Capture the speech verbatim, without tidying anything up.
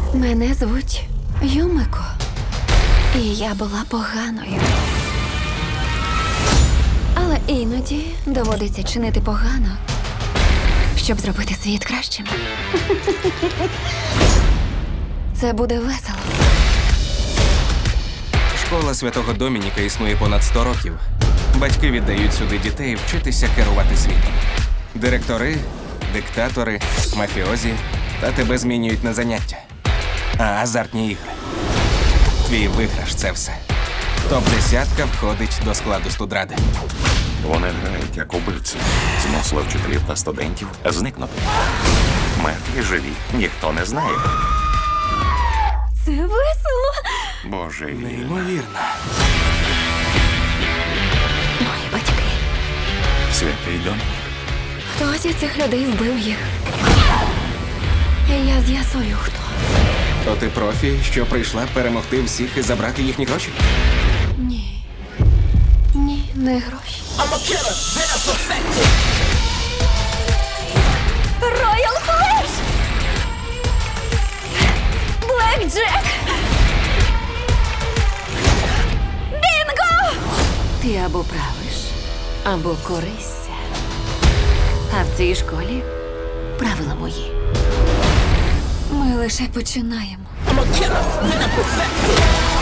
Мене звуть Юмико. І я була поганою. Але іноді доводиться чинити погано, щоб зробити світ кращим. Це буде весело. Школа Святого Домініка існує понад сто років. Батьки віддають сюди дітей вчитися керувати світом. Директори, диктатори, мафіозі та тебе змінюють на заняття. А азартні ігри. Твій виграш – це все. Топ-десятка входить до складу студради. Вони грають як убивці. Змусили вчителів та студентів зникнути. Мертві живі, ніхто не знає. Це весело. Боже, Неймовірно. Мої батьки. святий Домінік. Хтось із цих людей вбив їх. І я з'ясую, хто. То ти профі, що прийшла перемогти всіх і забрати їхні гроші? Ні. Ні, не гроші. Роял Флеш! Блек Джек! Бінго! Ти або правиш, або корисся. А в цій школі правила мої. Ми лише починаємо.